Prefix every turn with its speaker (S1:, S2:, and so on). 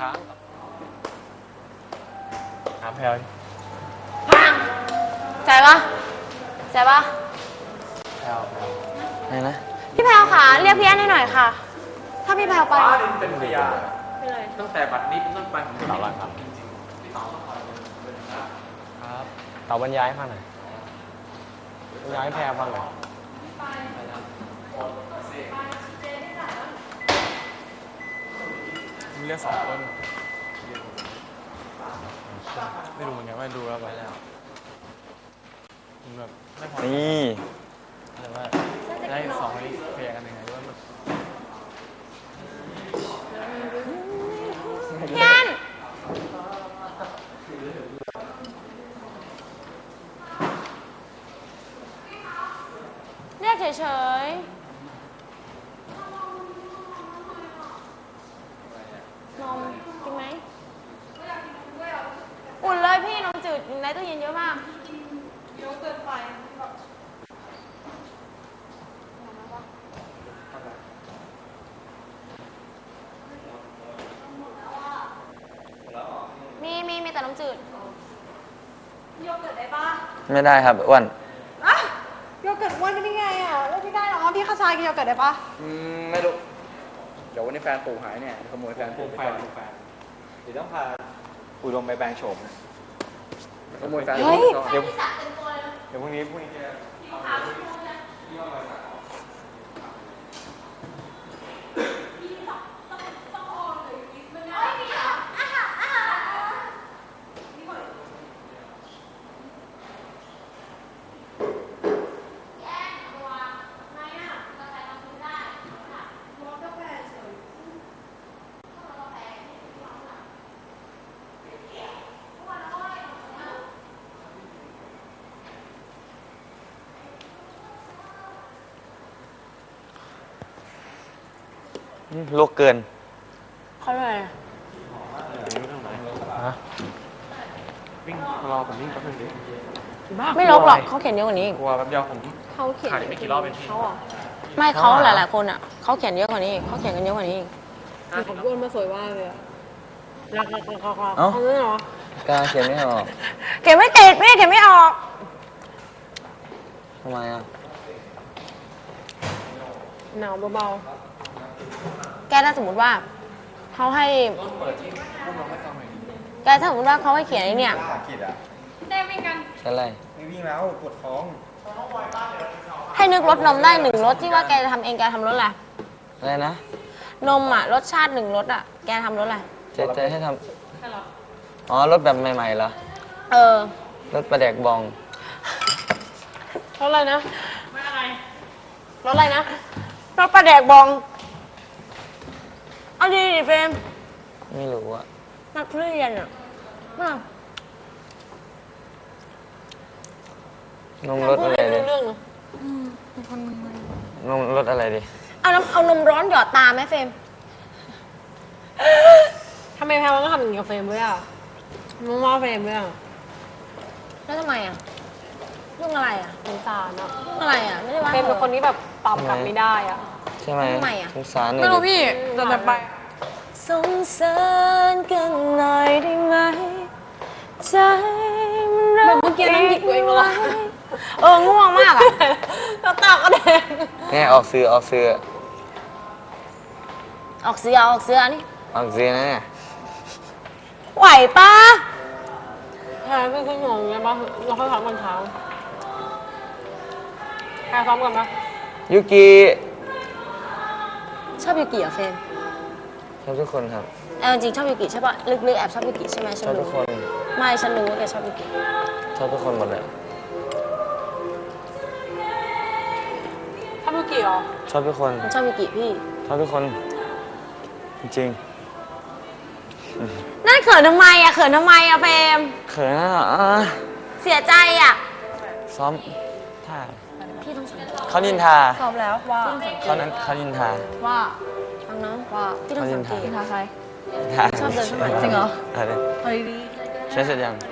S1: ค้างถามแพลว
S2: พังใจปะใจปะ
S1: แพลว
S3: ไหนนะ
S2: พี่แพลวค่ะเรียกพี่แอนให้หน่อยค่ะ ถ้าพี่แพลวไป
S1: เป็นพยานตั้งแต่บัดนี้เป็นต้นไปผมจะมีครับครับเต่าบรรยายให้ฟังหน่อยบรรยายให้แพลวฟังหน่อยมีเรื่อง2 คนไม่รู้เหมือนกันว่าดูแล้วไปแล้วแบบไม่พอ
S3: นี่
S1: แต่ว่าได้2 คนนี้เคลียร์กันยังไงด้วยมัน
S2: พี่แอนเรียกเฉยๆนมกินไหมอุ่นเลยพี่นมจืดในตู้เย็นเยอะมากเยอะเกินไปมีแต่น้ำจืดโยเกิร์ตได้ปะ
S3: ไม่ได้ครับอ้วน
S2: อะโยเกิร์ตอ้วนได้ไงอ่ะเลือกไม่ได้หรอพี่ข้าวซอยกินโยเกิร์ตได้ปะ
S4: ไม่รู้เดี๋ยววันนี้แฟนปู่หายเนี่ยขโมยแฟนปู่ไปก่อนเดี๋ยวต้องพาปู่ลงไปแปลงโฉมขโมยแฟนปู่ไปก่อนเดี๋ยวพรุ่งนี้จะ
S3: โลกเกิน
S2: เขาเลย
S1: ฮะวิ่งรอผมวิ่งแป๊บนึงดิ
S2: ไม่ลบหรอกเขาเขียนเยอะกว่านี้
S1: กลัวแป๊บเดียวผม
S2: เขาเขียน
S1: ถ่ายไม่กี่รอบเป็นที่
S2: เขาอ่ะไม่เขาหลายๆคนอ่ะเขาเขียนเยอะกว่านี้เขาเขียนกันเยอะกว่านี้อีก
S5: ผมโยนมาสวยมากเลยอะรัก
S3: เอ้า
S5: เอาเลยเหรอ
S3: การเขียนไม่ออก
S2: เขียนไม่ติดพี่เขียนไม่ออก
S3: ทำไมอ่ะ
S5: หนาวเบา
S2: แกถ้าสมมติว่าเขาให้แกถ้าสมมติว่าเขาให้เขียนไอ้เนี่ย
S4: ขีดอ่ะ
S3: ใช่ไร
S4: ไม่วิ่งแล้วปวดท้อง
S2: ให้นึกรสนมได้1 รสที่ว่าแกจะทำเองแกทำรสอะไร
S3: อะไรนะ
S2: นมอ่ะรสชาติ1 รสอ่ะแกทำรสอะไร
S3: เจ๊ให้ทำอ๋อรถแบบใหม่ๆเหรอ
S2: เออ
S3: รถประแดกบอง
S5: ๆเพราะอะไรนะ
S2: รสอะไรนะรสปลาแดกบองเอาดีดิเฟรม
S3: ไม่รู้อ่ะ
S2: นักเรียนอ่ะมาก
S3: นมรถอะไรดิ
S5: เรื่องเนอะ
S3: นมรถอะไรดิ
S2: เอานมร้อนหยอดตาไหมเฟรม
S5: ทำไมแพลวต้องทำอย่างนี้กับเฟรมด้วยอ่ะมึงว่าเฟรมด้วยอ่ะ
S2: แล้วทำไมอ่ะเรื่องอะไรอ่ะ
S5: สงสารอ่ะ
S2: เรื่องอะไรอ่ะไม่ได้ว่า
S5: เฟรมเป็นคนที่แบบตอบกลับไม่ได้อ่ะ
S3: ใช่ไหม
S2: ทำไมอ่ะ
S3: สงสารหน่อย
S5: ไม่รู้
S3: ดิ
S5: พี่แต่ไป
S2: สงสารกันหน่อยได้ไหมใจมันรั
S5: แบบเมื่อกี้นั่งหยิกตัวเองเหรอ
S2: ง่วงมากอ่ะ
S5: แล้วตาก็แดง
S3: เนี่ยออกซื้อ
S2: ออกเสือนี่
S3: ออกซื้อนะเนี่ย
S2: ไหวปะ
S5: แพลเป็นคนงงไงปะเราค่อยซ้อมกันเช้าแพลซ้อมกันปะ
S3: ยุกิ
S2: ชอบยูกิเหรอเฟรม
S3: ชอบทุกคนครับ
S2: จริงชอบยูกิใช่ปะลึกๆแอบชอบยูกิใช่ไหมฉั
S3: ช
S2: น
S3: อบทุ
S2: รู้
S3: กคน
S2: ไม่ฉันรู้ว่าแกชอบยูกิ
S3: ชอบทุกคนหมดเลย
S5: ถ้าเมื่อกี้เหรอ
S3: ชอบทุกคน
S2: ฉันชอบยูกิพี่
S3: ชอบทุกคน จริง
S2: นั่นเขินทำไมอ่ะเขินทำไมอ่ะเฟรม
S3: ๆเขินอ่ะ
S2: เสียใจอ่ะ
S3: ซ้อมท่า
S2: พี่ต้องสังเกต
S3: เขานินทา
S2: ตอบแล้วว่า
S3: เขานินทา
S2: ว่าฟังน้องว่าพี่ต้องสังเกต
S3: เขานินทา
S2: ใคร
S3: นินทา
S2: ชอบเดินเข้ามาจริงเหรอ
S3: อะไร
S5: เฮ้ยดี
S3: ใช้เสร็จยัง